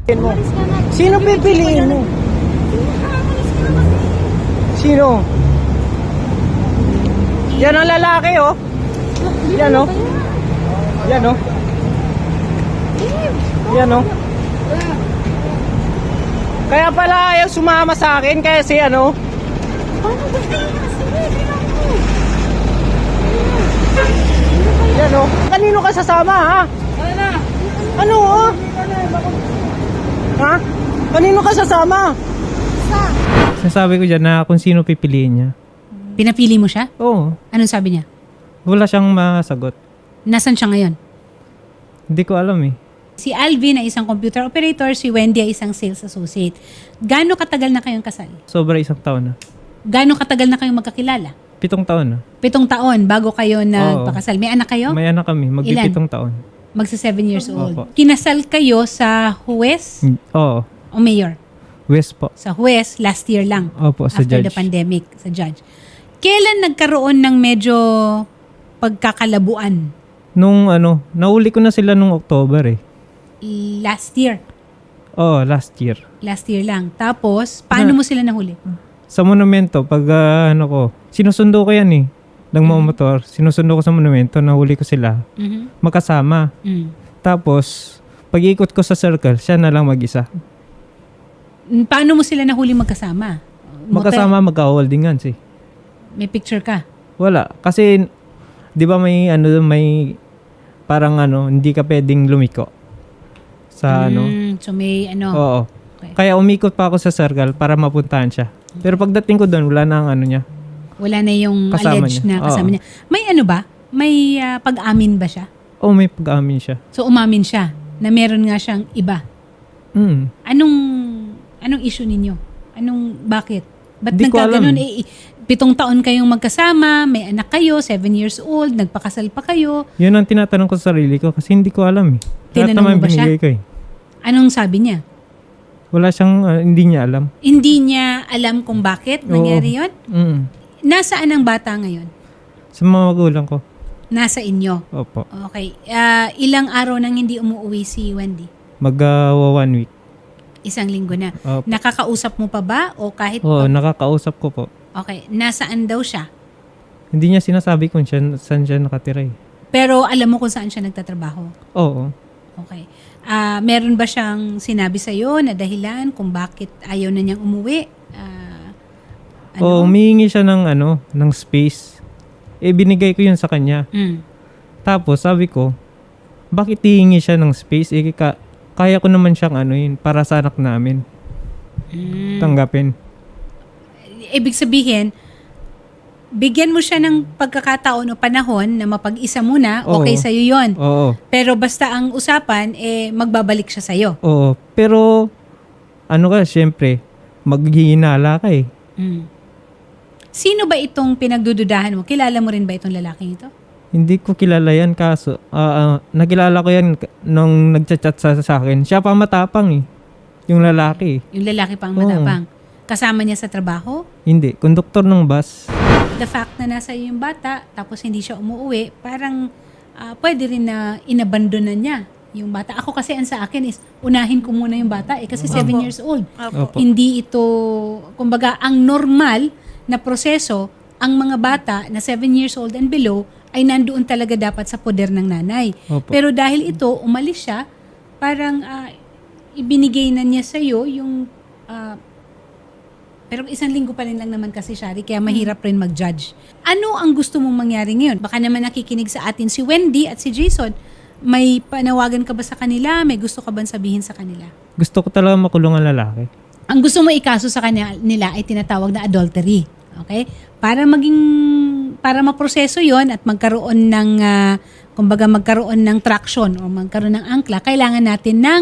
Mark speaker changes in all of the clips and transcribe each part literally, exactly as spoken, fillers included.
Speaker 1: mo.
Speaker 2: Umalis ka na.
Speaker 1: Sino pipiliin mo?
Speaker 2: Umalis ka na.
Speaker 1: Sino? Yan ang lalaki, oh. Yan, oh. Yan, oh. Yan, oh. Kaya pala ayaw sumama sa akin kasi ano.
Speaker 2: Paano ba kayo kasi? Tingnan mo.
Speaker 1: Yan, oh. Kanino ka sasama, ha? Ano, oh? Ha? Kanino ka sasama?
Speaker 3: Sinasabi ko dyan na kung sino pipiliin niya.
Speaker 4: Pinapili mo siya?
Speaker 3: Oo.
Speaker 4: Anong sabi niya?
Speaker 3: Wala siyang masagot.
Speaker 4: Nasaan siya ngayon?
Speaker 3: Hindi ko alam eh.
Speaker 4: Si Alvin ay isang computer operator, si Wendy ay isang sales associate. Gaano katagal na kayong kasal?
Speaker 3: Sobra isang taon na.
Speaker 4: Gaano katagal na kayong magkakilala?
Speaker 3: Pitong taon na.
Speaker 4: Pitong taon bago kayo nagpakasal. May anak kayo?
Speaker 3: May anak kami. Magpipitong taon.
Speaker 4: Magsa seven years old.
Speaker 3: Opo.
Speaker 4: Kinasal kayo sa huwes
Speaker 3: Mm, Oo.
Speaker 4: o mayor?
Speaker 3: West po.
Speaker 4: Sa huwes, last year lang.
Speaker 3: Opo, sa
Speaker 4: After
Speaker 3: judge.
Speaker 4: the pandemic, sa judge. Kailan nagkaroon ng medyo pagkakalabuan?
Speaker 3: Nung ano, nauli ko na sila nung October eh.
Speaker 4: Last year.
Speaker 3: Oo, last year.
Speaker 4: Last year lang. Tapos, paano
Speaker 3: Na-
Speaker 4: mo sila nahuli?
Speaker 3: Sa monumento, pag ah, ano ko, sinusundo ko yan eh. Ng mga motor, sinusundo ko sa monumento, nahuli ko sila.
Speaker 4: Mhm.
Speaker 3: Magkasama.
Speaker 4: Mm.
Speaker 3: Tapos, pag ikot ko sa circle, siya na lang mag-isa.
Speaker 4: Paano mo sila nahuli magkasama? Motel?
Speaker 3: Magkasama, magka-holding hands eh.
Speaker 4: May picture ka?
Speaker 3: Wala. Kasi, di ba may ano, may parang ano, hindi ka pwedeng lumiko. Sa ano.
Speaker 4: Mm, so may ano.
Speaker 3: Oo.
Speaker 4: Okay.
Speaker 3: Kaya umikot pa ako sa circle para mapuntahan siya. Pero pagdating ko doon, wala na ang ano niya.
Speaker 4: Wala na yung
Speaker 3: Kasama
Speaker 4: alleged
Speaker 3: niya.
Speaker 4: na kasama
Speaker 3: Oo.
Speaker 4: niya. May ano ba? May ah, pag-amin ba siya?
Speaker 3: Oh, may pag-amin siya.
Speaker 4: So umamin siya na meron nga siyang iba.
Speaker 3: Mm.
Speaker 4: Anong anong issue ninyo? Anong bakit? Ba't
Speaker 3: Di ko
Speaker 4: nagkaganon?
Speaker 3: alam.
Speaker 4: Eh, eh, pitong taon kayong magkasama, may anak kayo, seven years old, nagpakasal pa kayo.
Speaker 3: Yun ang tinatanong ko sa sarili ko kasi hindi ko alam eh. Lahat
Speaker 4: Tinanong
Speaker 3: naman
Speaker 4: mo ba siya?
Speaker 3: binigay ko eh.
Speaker 4: Anong sabi niya?
Speaker 3: Wala siyang, ah, hindi niya alam.
Speaker 4: Hindi niya alam kung bakit nangyari yun?
Speaker 3: Mm.
Speaker 4: Nasaan ang bata ngayon?
Speaker 3: Sa mga magulang ko.
Speaker 4: Nasa inyo.
Speaker 3: Opo.
Speaker 4: Okay. Ah, ilang araw nang hindi umuwi si Wendy?
Speaker 3: Mag uh, one week.
Speaker 4: Isang linggo na.
Speaker 3: Opo.
Speaker 4: Nakakausap mo pa ba? O kahit...
Speaker 3: Oo,
Speaker 4: pa-
Speaker 3: nakakausap ko po.
Speaker 4: Okay. Nasaan daw siya?
Speaker 3: Hindi niya sinasabi kung siya, saan siya nakatira eh.
Speaker 4: Pero alam mo kung saan siya nagtatrabaho?
Speaker 3: Oo.
Speaker 4: Okay. Ah, meron ba siyang sinabi sa'yo na dahilan kung bakit ayaw na niyang umuwi? Ah,
Speaker 3: Oo, humihingi siya ng ano, ng space. Eh, binigay ko yun sa kanya.
Speaker 4: Mm.
Speaker 3: Tapos, sabi ko, bakit hihingi siya ng space? Eh, ka- kaya ko naman siyang ano yun, para sa anak namin.
Speaker 4: Mm.
Speaker 3: Tanggapin.
Speaker 4: Ibig sabihin, bigyan mo siya ng pagkakataon o panahon na mapag-isa muna,
Speaker 3: Oo.
Speaker 4: okay sa'yo yun.
Speaker 3: Oo.
Speaker 4: Pero basta ang usapan, eh, magbabalik siya sa'yo.
Speaker 3: Oo. Pero, ano ka, syempre, maghihinala ka eh.
Speaker 4: Mm. Sino ba itong pinagdududahan mo? Kilala mo rin ba itong lalaking ito?
Speaker 3: Hindi ko kilala yan kaso, ah, ah, nakilala ko yan k- nung nagchat-chat sa, sa akin. Siya pa matapang eh. Yung lalaki eh.
Speaker 4: Yung lalaki pang
Speaker 3: Oo.
Speaker 4: matapang. Kasama niya sa trabaho?
Speaker 3: Hindi, konduktor ng bus.
Speaker 4: The fact na nasa iyo yung bata, tapos hindi siya umuwi, parang ah, pwede rin na inabandonan niya yung bata. Ako kasi ang sa akin is, unahin ko muna yung bata eh, kasi seven years old.
Speaker 3: Opo.
Speaker 4: Hindi ito, kumbaga, ang normal na proseso, ang mga bata na seven years old and below, ay nandoon talaga dapat sa poder ng nanay.
Speaker 3: Opo.
Speaker 4: Pero dahil ito, umalis siya, parang ah, ibinigay na niya sa'yo yung... ah, pero isang linggo pa rin lang naman kasi, Shari, kaya mahirap rin mag-judge. Ano ang gusto mong mangyari ngayon? Baka naman nakikinig sa atin si Wendy at si Jason. May panawagan ka ba sa kanila? May gusto ka bang sabihin sa kanila?
Speaker 3: Gusto ko talaga makulong ang lalaki.
Speaker 4: Ang gusto mo ikaso sa kanila nila ay tinatawag na adultery. Okay? Para maging, para maproseso yon at magkaroon ng, ah, kumbaga magkaroon ng traction o magkaroon ng angkla, kailangan natin ng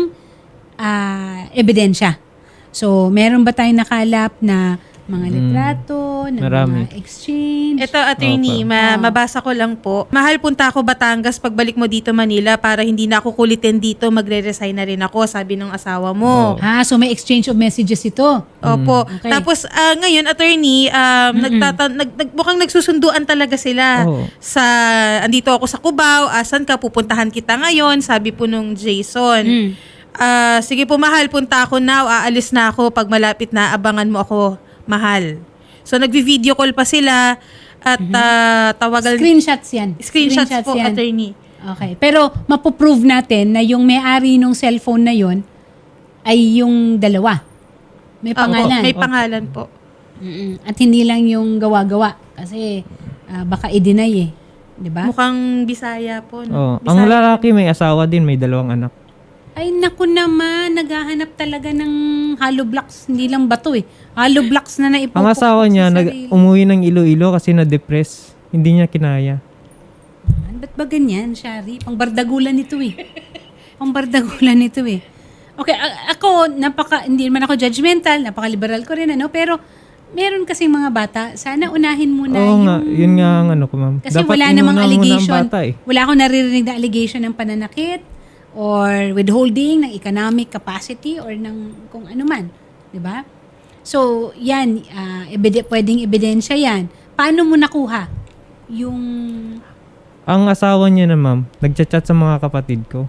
Speaker 4: ah, ebidensya. So, meron ba tayong nakalap na mga litrato, na
Speaker 3: marami.
Speaker 4: mga exchange?
Speaker 2: Ito, attorney,
Speaker 3: Opo.
Speaker 2: ma-
Speaker 4: Ah.
Speaker 2: mabasa ko lang po. Mahal, punta ako Batangas pagbalik mo dito Manila para hindi na ako kulitin dito, magre-resign na rin ako, sabi ng asawa mo.
Speaker 3: Oo.
Speaker 4: Ah, so may exchange of messages ito.
Speaker 2: Opo.
Speaker 4: Okay.
Speaker 2: Tapos ah, ngayon, attorney, um, nagtata- nag, nag, mukhang nagsusunduan talaga sila.
Speaker 3: Oo.
Speaker 2: Sa, andito ako sa Cubao, asan ka, pupuntahan kita ngayon, sabi po nung Jason.
Speaker 4: Mm.
Speaker 2: Ah, sige po, mahal, punta ako now. Aalis na ako pag malapit na. Abangan mo ako, mahal. So, nagvi-video call pa sila at ah, tawagan...
Speaker 4: Screenshots yan.
Speaker 2: Screenshots, po,
Speaker 4: yan.
Speaker 2: attorney.
Speaker 4: Okay. Pero mapoprove natin na yung may-ari ng cellphone na yon ay yung dalawa. May
Speaker 2: Ah,
Speaker 4: pangalan.
Speaker 2: May pangalan po.
Speaker 4: Mm-mm. At hindi lang yung gawa-gawa. Kasi ah, baka i-deny eh. Di ba?
Speaker 2: Mukhang Bisaya po.
Speaker 3: Oh,
Speaker 2: No?
Speaker 3: ang
Speaker 2: Bisaya.
Speaker 3: lalaki may asawa din, may dalawang anak.
Speaker 4: Ay, naku naman. Naghahanap talaga ng hollow blocks. Hindi lang bato eh. Hollow blocks na naipupukpok
Speaker 3: Ang asawa
Speaker 4: sa
Speaker 3: niya nag
Speaker 4: sarili.
Speaker 3: umuwi ng Iloilo kasi na-depress. Hindi niya kinaya.
Speaker 4: Ba't ba ganyan, Shari? Pangbardagulan ito eh. Pangbardagulan ito eh. Okay, a- ako, napaka, hindi naman ako judgmental, napaka-liberal ko rin, ano, pero meron kasing mga bata, sana unahin muna
Speaker 3: Oo
Speaker 4: yung...
Speaker 3: nga, yun nga ang ano ko, ma'am.
Speaker 4: Kasi
Speaker 3: Dapat
Speaker 4: wala
Speaker 3: inuna
Speaker 4: namang
Speaker 3: muna ang
Speaker 4: allegation,
Speaker 3: bata, eh.
Speaker 4: wala akong naririnig na allegation ng pananakit or withholding ng economic capacity or ng kung ano man. Di ba? So, yan, ah, ebide- pwedeng ebidensya yan. Paano mo nakuha yung...
Speaker 3: Ang asawa niya na, ma'am, nagchat-chat sa mga kapatid ko.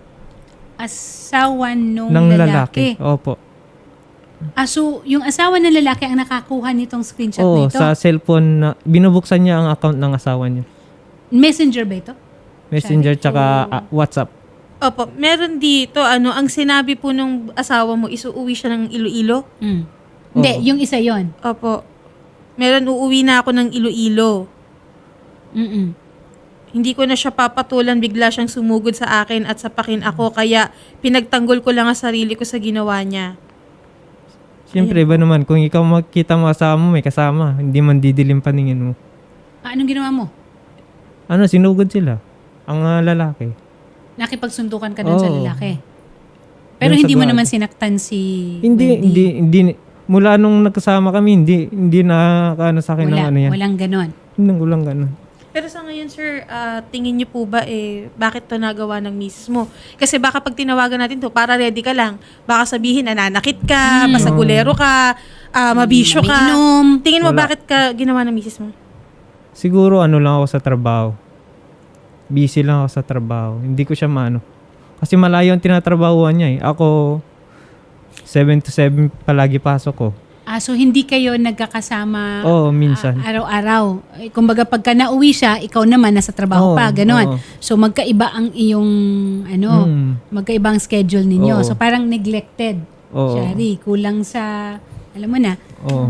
Speaker 4: asawa nung
Speaker 3: ng
Speaker 4: lalaki.
Speaker 3: lalaki. Opo.
Speaker 4: Ah, so, yung asawa ng lalaki ang nakakuha nitong screenshot
Speaker 3: Oo,
Speaker 4: na ito?
Speaker 3: sa cellphone na, binubuksan niya ang account ng asawa niya.
Speaker 4: Messenger ba ito?
Speaker 3: Messenger tsaka
Speaker 4: Oh.
Speaker 3: ah, WhatsApp.
Speaker 2: Opo, meron dito, ano, ang sinabi po nung asawa mo, isuuwi siya ng Iloilo.
Speaker 4: Mm. Hindi,
Speaker 3: Oo.
Speaker 4: yung isa yon.
Speaker 2: Opo. Meron, uuwi na ako ng Iloilo.
Speaker 4: Mm-mm.
Speaker 2: Hindi ko na siya papatulan, bigla siyang sumugod sa akin at sapakin ako, kaya pinagtanggol ko lang ang sarili ko sa ginawa niya.
Speaker 3: Siyempre, ba naman, kung ikaw makita mo asawa mo, may kasama, hindi man didilim paningin mo.
Speaker 4: Ah, anong ginawa mo?
Speaker 3: Ano, sinugod sila. Ang ah, lalaki.
Speaker 4: Nakipagsundukan ka dun sa
Speaker 3: Oo.
Speaker 4: lalaki. Pero
Speaker 3: Dun sa
Speaker 4: hindi mo
Speaker 3: bahay.
Speaker 4: naman sinaktan si
Speaker 3: Hindi,
Speaker 4: Wendy.
Speaker 3: hindi, hindi, mula nung nagkasama kami, hindi, hindi nakakaano sa akin ng
Speaker 4: Wala,
Speaker 3: ano yan.
Speaker 4: walang ganon.
Speaker 3: Hindi, walang ganun.
Speaker 2: Pero sa ngayon, sir, ah, tingin niyo po ba, eh, bakit to nagawa ng misis mo? Kasi baka pag tinawagan natin to, para ready ka lang. Baka sabihin, nananakit ka, masagulero ka, ah, mabisyo ka.
Speaker 4: Umiinom.
Speaker 2: Tingin mo,
Speaker 3: Wala.
Speaker 2: bakit ka ginawa ng misis mo?
Speaker 3: Siguro ano lang ako sa trabaho. Busy lang ako sa trabaho. Hindi ko siya maano. Kasi malayo ang tinatrabahuan niya eh. Ako, seven to seven palagi pasok ko.
Speaker 4: Ah, so hindi kayo nagkakasama
Speaker 3: Oo, minsan.
Speaker 4: ah, araw-araw. Eh, kumbaga pagka nauwi siya, ikaw naman nasa trabaho
Speaker 3: Oo,
Speaker 4: pa, ganon.
Speaker 3: oo.
Speaker 4: So magkaiba ang iyong ano,
Speaker 3: Hmm.
Speaker 4: magkaiba ang schedule ninyo.
Speaker 3: Oo.
Speaker 4: So parang neglected.
Speaker 3: Oo.
Speaker 4: Shari, kulang sa alam mo na.
Speaker 3: Oo.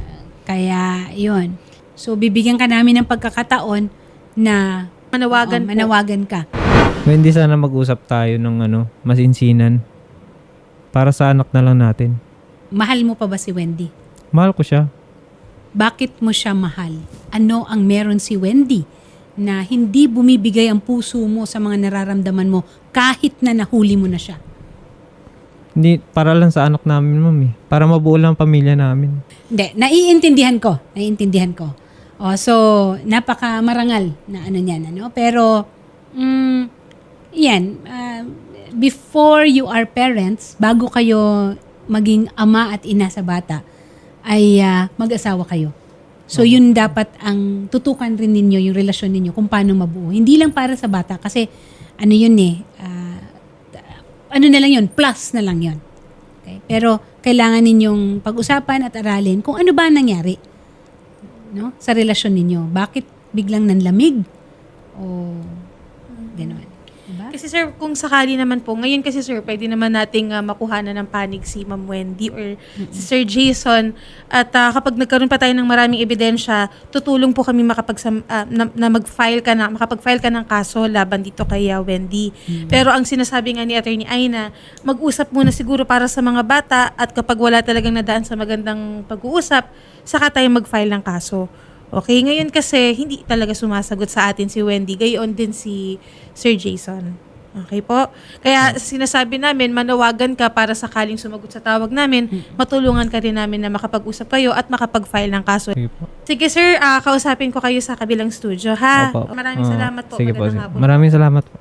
Speaker 4: Kaya 'yon. So bibigyan ka namin ng pagkakataon na
Speaker 2: Manawagan
Speaker 4: oo,
Speaker 2: po.
Speaker 4: manawagan ka.
Speaker 3: Hindi sana mag-usap tayo ng ano, masinsinan. Para sa anak na lang natin.
Speaker 4: Mahal mo pa ba si Wendy?
Speaker 3: Mahal ko siya.
Speaker 4: Bakit mo siya mahal? Ano ang meron si Wendy na hindi bumibigay ang puso mo sa mga nararamdaman mo kahit na nahuli mo na siya?
Speaker 3: Hindi, para lang sa anak namin, mami. Para mabuo lang ang pamilya namin.
Speaker 4: Hindi, naiintindihan ko. Naiintindihan ko. O, so, napaka marangal na ano niyan, ano? Pero, mm, yan, ah, before you are parents, bago kayo maging ama at ina sa bata, ay ah, mag-asawa kayo. So, yun dapat ang tutukan rin ninyo, yung relasyon ninyo, kung paano mabuo. Hindi lang para sa bata, kasi ano yun eh, ah, ano na lang yun, plus na lang yun. Okay? Pero, kailangan ninyong pag-usapan at aralin kung ano ba ang nangyari, no, sa relasyon ninyo. Bakit biglang nanlamig? O gano'n. Diba?
Speaker 2: Kasi sir, kung sakali naman po, ngayon kasi sir, pwede naman nating uh, makuhanan ng panig si Ma'am Wendy or si Sir Jason. At ah, kapag nagkaroon pa tayo ng maraming ebidensya, tutulong po kami makapag ah, na, na mag-file ka na, makapag-file ka ng kaso laban dito kay ah, Wendy. Pero ang sinasabi nga ni Attorney Aina, mag-usap muna siguro para sa mga bata at kapag wala talagang nadaan sa magandang pag-uusap, saka tayo mag-file ng kaso. Okay, ngayon kasi hindi talaga sumasagot sa atin si Wendy, gayon din si Sir Jason. Okay po? Kaya sinasabi namin, manawagan ka para sakaling sumagot sa tawag namin, matulungan ka rin namin na makapag-usap kayo at makapag-file ng kaso.
Speaker 3: Sige po.
Speaker 2: Sige sir, ah, kausapin ko kayo sa kabilang studio, ha?
Speaker 3: Opo.
Speaker 2: Maraming
Speaker 3: Oo.
Speaker 2: salamat po.
Speaker 3: Sige po.
Speaker 2: Magandang
Speaker 3: Sige.
Speaker 2: hapon.
Speaker 3: Maraming salamat po.